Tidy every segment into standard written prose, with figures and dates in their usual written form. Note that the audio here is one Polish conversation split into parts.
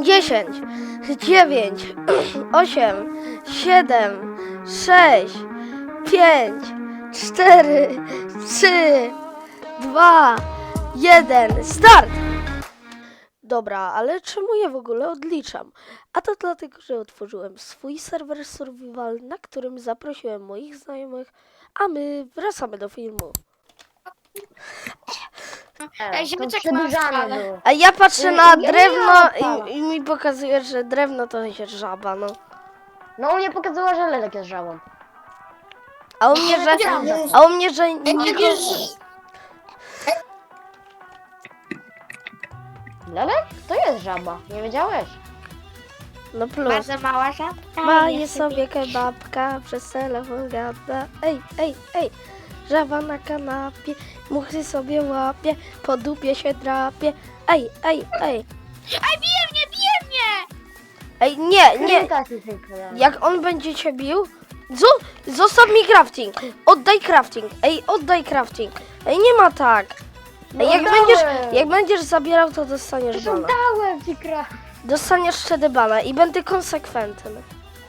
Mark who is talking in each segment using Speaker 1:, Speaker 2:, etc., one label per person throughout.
Speaker 1: 10, 9, 8, 7, 6, 5, 4, 3, 2, 1, start! Dobra, ale czemu ja w ogóle odliczam? A to dlatego, że otworzyłem swój serwer survival, na którym zaprosiłem moich znajomych, a my wracamy do filmu.
Speaker 2: Ej, ziemeczek
Speaker 3: to
Speaker 2: ma
Speaker 3: przedłużane
Speaker 2: skalę.
Speaker 3: było.
Speaker 1: A ja patrzę na
Speaker 3: Ja
Speaker 1: drewno
Speaker 3: miałam
Speaker 1: i mi pokazuje, że drewno to jest żaba, no.
Speaker 3: No u mnie pokazała, że Lelek jest żabą.
Speaker 1: A u mnie, że... A u mnie, że...
Speaker 3: Lelek? To jest żaba, nie wiedziałeś?
Speaker 1: No plus.
Speaker 2: Bardzo mała żabka.
Speaker 1: Maje sobie kebabka, przez telefon gada. Ej, ej, ej. Żaba na kanapie, muchy sobie łapie, po dupie się drapie. Ej, ej, ej.
Speaker 2: Ej, bije mnie!
Speaker 1: Ej, nie, nie.
Speaker 3: Tak, jest piękne.
Speaker 1: Jak on będzie cię bił, zostaw mi crafting. Oddaj crafting. Ej, oddaj crafting. Ej, nie ma tak. Ej, jak będziesz zabierał, to dostaniesz
Speaker 3: To
Speaker 1: bana.
Speaker 3: dałem ci krach.
Speaker 1: Dostaniesz wtedy bana i będę konsekwentny.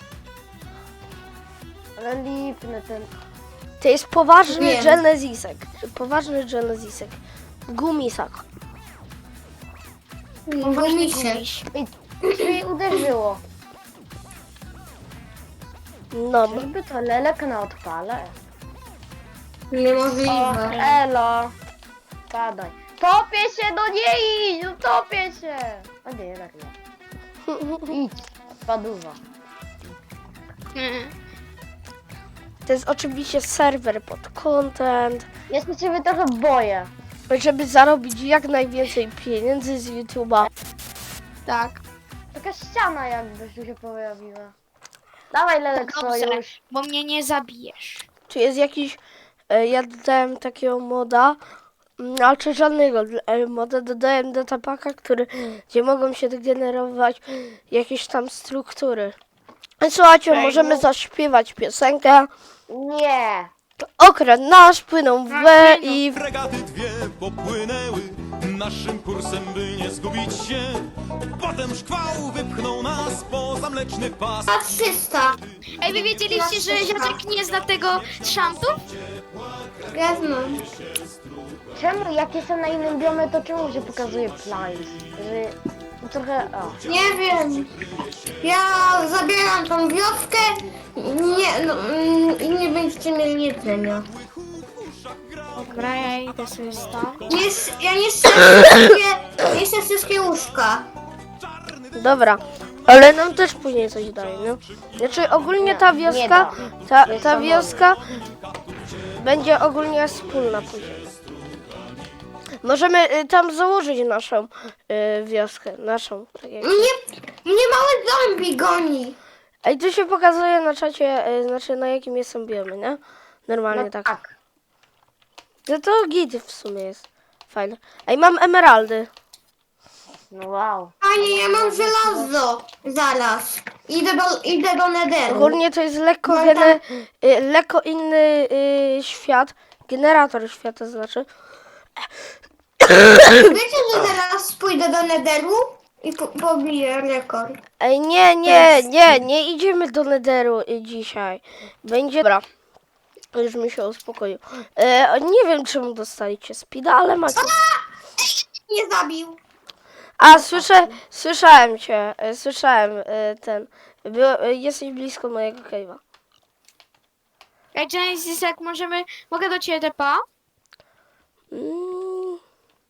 Speaker 3: Ale lipny ten.
Speaker 1: To jest poważny
Speaker 2: Wiem.
Speaker 1: Genesisek. Poważny Genesisek. Gumisak.
Speaker 2: Gumiś.
Speaker 3: Ej, uderzyło.
Speaker 1: No.
Speaker 3: Czyżby to Lelek na odpale? O,
Speaker 2: Niemożliwe.
Speaker 3: elo. Padaj. Topię się, no nie idź, no topię się. A nie, jednak nie. Idź, paduwa.
Speaker 1: To jest oczywiście serwer pod content,
Speaker 3: Ja się ciebie trochę boję.
Speaker 1: żeby zarobić jak najwięcej pieniędzy z YouTube'a.
Speaker 2: Tak.
Speaker 3: Taka ściana jakby tu się pojawiła. Dawaj Lelek
Speaker 2: Dobrze,
Speaker 3: sojusz.
Speaker 2: bo mnie nie zabijesz.
Speaker 1: Czy jest jakiś... Ja dodałem takiego moda, ale żadnego moda, dodałem datapaka, gdzie mogą się generować jakieś tam struktury. Słuchajcie, możemy zaśpiewać piosenkę.
Speaker 3: Nie.
Speaker 1: Okręt nasz płynął w B i...
Speaker 4: Fregaty dwie popłynęły naszym kursem, by nie zgubić się. Potem szkwał wypchnął nas poza mleczny pas.
Speaker 2: 300. Ej, wy wiedzieliście, że ziaczek nie zna tego szamtu? Ja znam.
Speaker 3: Czemu jak jestem na innym biomie, to czemu się pokazuje plains? Że trochę... O.
Speaker 5: Nie wiem. Ja zabieram tą wioskę i nie będziecie mieli jedzenia.
Speaker 2: Dobra, ja idę sobie stąd.
Speaker 5: Ja niszczę wszystkie łóżka.
Speaker 1: Dobra, ale nam też później coś daje, no. Znaczy ogólnie ta wioska, ta wioska będzie ogólnie wspólna później. Możemy tam założyć naszą wioskę, naszą. Tak jak...
Speaker 5: Mnie mały zombie goni.
Speaker 1: Ej, tu się pokazuje na czacie, znaczy na jakim są biomy, nie? Normalnie
Speaker 3: No
Speaker 1: tak.
Speaker 3: tak.
Speaker 1: No to git w sumie jest. Fajne. Ej, mam emeraldy.
Speaker 3: No wow.
Speaker 5: Panie, ja mam żelazo. Zaraz. Idę do Netheru.
Speaker 1: Ogólnie to jest lekko,
Speaker 5: No i tam-
Speaker 1: lekko inny świat. Generator świata znaczy.
Speaker 5: Wiecie, że teraz pójdę do Netheru i pobiję rekord.
Speaker 1: Ej, nie idziemy do Netheru dzisiaj. Będzie... Dobra. Już mi się uspokoił. Nie wiem, czemu dostaliście speeda, ale macie...
Speaker 5: Nie zabił.
Speaker 1: A, słyszałem cię. Słyszałem ten... Jesteś blisko mojego cave'a.
Speaker 2: Ej, Genesis, jak mogę do ciebie tepa?
Speaker 1: Mm,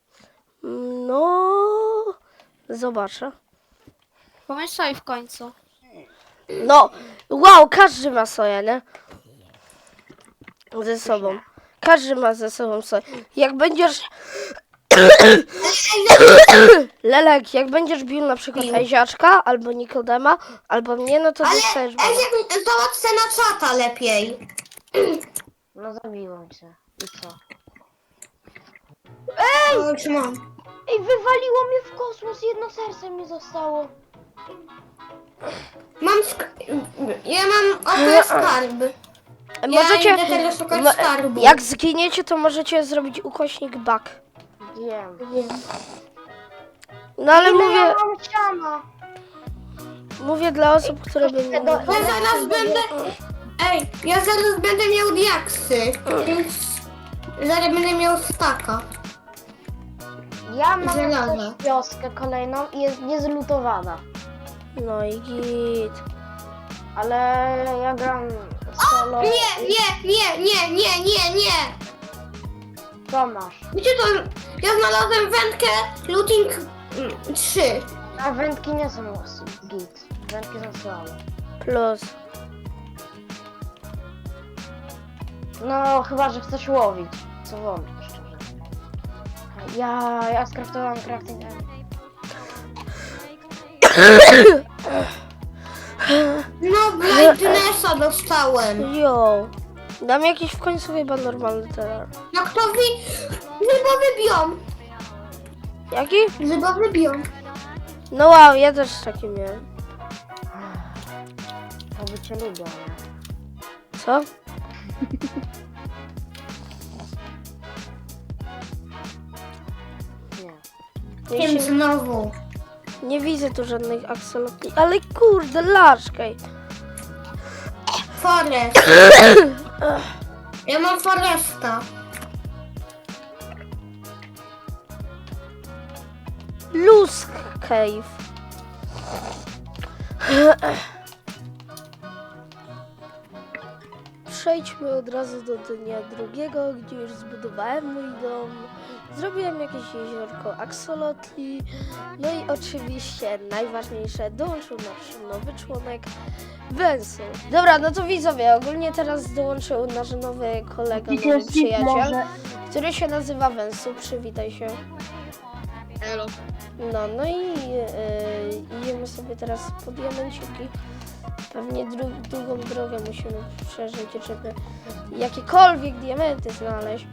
Speaker 1: no... Zobaczę.
Speaker 2: Pomyśl sobie w końcu.
Speaker 1: No, wow, każdy ma soję, nie? Ze sobą. Każdy ma ze sobą soję. Jak będziesz... Lelek, jak będziesz bił na przykład Eziaczka, albo Nikodema, albo mnie, no to dostajesz bana.
Speaker 5: Załatwę na czata lepiej.
Speaker 3: No zabiłem cię. I co?
Speaker 5: O, już mam.
Speaker 3: Ej, wywaliło mnie w kosmos, jedno serce mi zostało.
Speaker 5: Ja mam oto skarb.
Speaker 1: Możecie...
Speaker 5: idę teraz szukać skarbu.
Speaker 1: Jak zginiecie, to możecie zrobić ukośnik bug.
Speaker 3: Wiem.
Speaker 1: No ale
Speaker 3: Ile
Speaker 1: mówię,
Speaker 3: ja mam siana?
Speaker 1: mówię dla osób, które by nie
Speaker 5: Ja zaraz będę... Ej, ja zaraz będę miał diaksy, więc... Zaraz będę miał staka.
Speaker 3: Ja mam
Speaker 5: Żelaza.
Speaker 3: też wioskę kolejną i jest niezlutowana.
Speaker 1: No i git.
Speaker 3: Ale ja gram solo.
Speaker 5: Nie!
Speaker 3: Co masz?
Speaker 5: Wiecie to, ja znalazłem wędkę looting 3.
Speaker 3: A wędki nie są git. Wędki są słabe.
Speaker 1: Plus.
Speaker 3: No, chyba, że chcesz łowić. Co wątpię, szczerze. Ja skraftowałam crafting end.
Speaker 5: No, Brightnessa dostałem.
Speaker 1: Jo. Dam jakiś w końcu chyba normalny terror.
Speaker 5: Jak to zybowy biom.
Speaker 1: Jaki?
Speaker 5: Zybowy biom.
Speaker 1: No wow, ja też taki miałem.
Speaker 3: To by cię lubią, nie?
Speaker 1: Co?
Speaker 3: Nie.
Speaker 1: Ja
Speaker 5: Wiem
Speaker 1: się,
Speaker 5: znowu.
Speaker 1: nie widzę tu żadnych aksolotli. Ale kurde, laszkaj.
Speaker 5: Forest. Ja mam Foresta.
Speaker 1: Lusk Cave. Przejdźmy od razu do dnia drugiego, gdzie już zbudowałem mój dom. Zrobiłem jakieś jeziorko aksolotli. No i oczywiście najważniejsze, dołączył nasz nowy członek Wensu. Dobra, no to widzowie, ogólnie teraz dołączył nasz nowy kolega, nowy przyjaciel, który się nazywa Wensu. Przywitaj się.
Speaker 2: Elo.
Speaker 1: No i idziemy sobie teraz po diamenciki. Pewnie długą drogę musimy przeżyć, żeby jakiekolwiek diamenty znaleźć.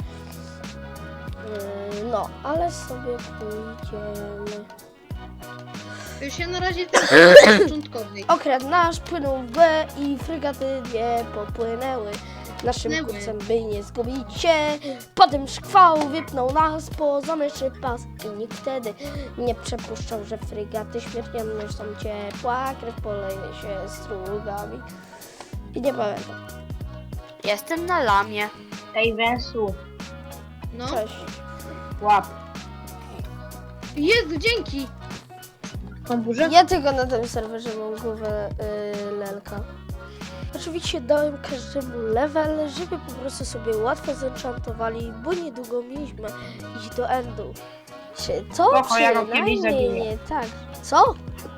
Speaker 1: No, ale sobie pójdziemy.
Speaker 2: Już się na razie ten początkowej.
Speaker 1: Okręt nasz płynął w B i fregaty nie popłynęły. Naszym
Speaker 2: Płynęły.
Speaker 1: kursem, by nie zgubić się. Potem szkwał wypnął nas poza myszy pas i nikt wtedy nie przypuszczał, że fregaty śmiertelne są ciepła, krew poleje się strugami. I nie pamiętam.
Speaker 6: Jestem na lamie.
Speaker 3: Ej, Wensu,
Speaker 2: No.
Speaker 1: Cześć.
Speaker 3: łap.
Speaker 2: Jezu, dzięki!
Speaker 3: Tą burzę?
Speaker 1: Ja tylko na tym serwerze mam głowę lelka. Oczywiście dałem każdemu level, żeby po prostu sobie łatwo zenchantowali, bo niedługo mieliśmy iść do endu. Czy co?
Speaker 3: Spoko, ja go kiedyś
Speaker 1: Przynajmniej
Speaker 3: zabiję.
Speaker 1: nie tak. Co?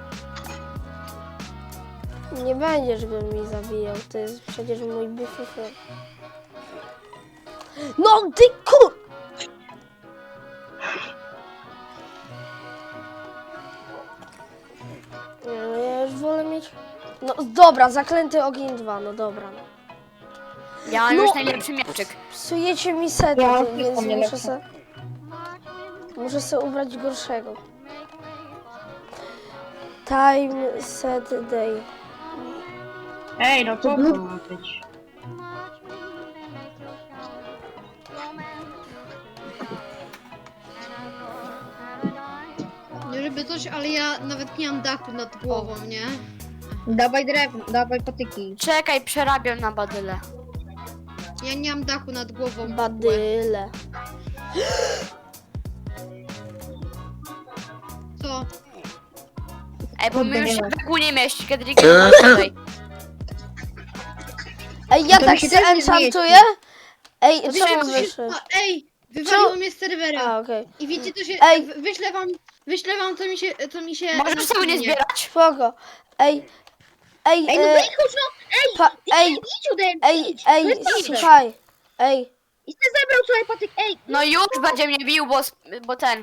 Speaker 1: Nie będziesz go mi zabijał, to jest przecież mój BFF. No ty kur... Nie, no ja już wolę mieć... No dobra, zaklęty ogień 2, no dobra. No.
Speaker 6: Ja mam
Speaker 1: No.
Speaker 6: już najlepszy mieczyk.
Speaker 1: Psujecie mi sety,
Speaker 3: Ja
Speaker 1: więc
Speaker 3: nie
Speaker 1: muszę
Speaker 3: lepsze.
Speaker 1: se... Muszę sobie ubrać gorszego. Time set day.
Speaker 3: Ej, no co to ma być?
Speaker 2: Nie żeby coś, ale ja nawet nie mam dachu nad głową, nie?
Speaker 3: Dawaj drewno, dawaj patyki.
Speaker 6: Czekaj, przerabiam na badyle.
Speaker 2: Ja nie mam dachu nad głową.
Speaker 1: Badyle.
Speaker 2: Co?
Speaker 6: Ej, bo my
Speaker 3: Kurde,
Speaker 6: już
Speaker 3: nie
Speaker 6: się
Speaker 3: ma.
Speaker 6: w ogóle nie mieści, kiedy nie tutaj.
Speaker 1: Ej, ja
Speaker 3: To
Speaker 1: tak
Speaker 3: mi się
Speaker 1: się
Speaker 3: też nie
Speaker 1: enchantuję? Ej, czemu
Speaker 2: Wyszedł-
Speaker 1: wyszedł?
Speaker 2: A, ej! Wywaliło mnie z serwera.
Speaker 1: A, okej.
Speaker 2: I wiecie co się...
Speaker 1: Ej.
Speaker 2: Wyślę wam co mi się...
Speaker 6: Możesz
Speaker 2: na
Speaker 6: sobie nie
Speaker 2: screenie.
Speaker 6: zbierać.
Speaker 1: Spoko. Ej, ej,
Speaker 3: Ej, no wychodź, no!
Speaker 1: ej,
Speaker 3: Idź ode mnie,
Speaker 1: ej,
Speaker 3: idź! To
Speaker 1: ej,
Speaker 3: jest dobrze.
Speaker 1: słuchaj. Ej,
Speaker 3: I ty zebrał sobie patyk, ej!
Speaker 6: No już będzie mnie bił, bo ten.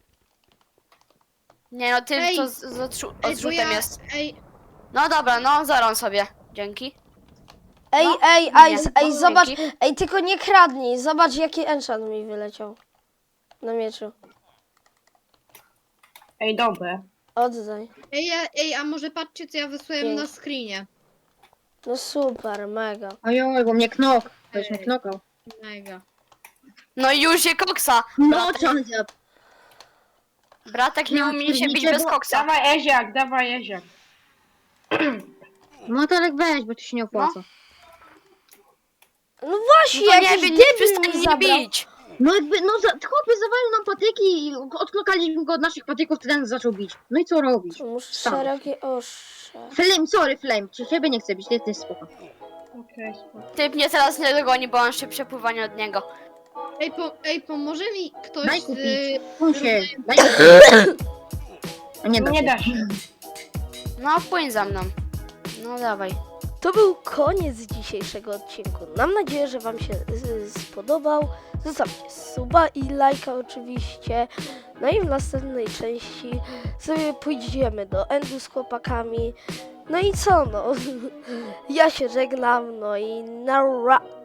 Speaker 6: Nie no, ty
Speaker 2: Ej.
Speaker 6: to z
Speaker 2: Ej, bo
Speaker 6: odrzutem
Speaker 2: ja...
Speaker 6: jest.
Speaker 2: Ej,
Speaker 6: No dobra, no zaram sobie. Dzięki.
Speaker 1: ej,
Speaker 6: No,
Speaker 1: ej,
Speaker 6: nie.
Speaker 1: ej, zobacz,
Speaker 6: Dzięki.
Speaker 1: ej, tylko nie kradnij, zobacz jaki enchant mi wyleciał. Na mieczu.
Speaker 3: Ej, dobre.
Speaker 1: Oddaj.
Speaker 2: a może patrzcie co ja wysłałem
Speaker 1: Dzięki.
Speaker 2: na screenie.
Speaker 1: No super, mega.
Speaker 3: Ojoj, bo mnie knok. Ktoś mnie knokał.
Speaker 2: Mega.
Speaker 6: No i już je koksa.
Speaker 3: No, John zjadł.
Speaker 6: Bratek nie umie się bić bez koksa.
Speaker 7: Dawaj Eziak, dawaj Eziak.
Speaker 3: No to jak weź, bo to się nie opłaca.
Speaker 1: No właśnie,
Speaker 6: No to nie
Speaker 1: jakiś
Speaker 6: wiem, nie
Speaker 1: debil
Speaker 6: przestań
Speaker 1: mi
Speaker 6: mnie
Speaker 1: zabrał.
Speaker 6: bić.
Speaker 3: No jakby, no chłopie zawalił nam patyki i odklokaliśmy go od naszych patyków, to ten zaczął bić. No i co robić?
Speaker 1: Muszę
Speaker 3: Sam.
Speaker 1: szerokie ostrze.
Speaker 3: Flame, ciebie nie chcę bić, ty jesteś spoko.
Speaker 7: Okej, spoko.
Speaker 6: Typ mnie teraz nie dogoni, bo mam szybsze pływanie od niego.
Speaker 8: Ej, pomoże mi ktoś
Speaker 3: Daj
Speaker 8: z...
Speaker 3: kupić. Się, daj kupić. A nie da
Speaker 7: Nie
Speaker 3: się.
Speaker 7: da się.
Speaker 6: No, płyń za mną. No dawaj.
Speaker 1: To był koniec dzisiejszego odcinku. Mam nadzieję, że Wam się spodobał. Zostawcie suba i lajka oczywiście. No i w następnej części sobie pójdziemy do Endu z chłopakami. No i co no? Ja się żegnam, no i nara.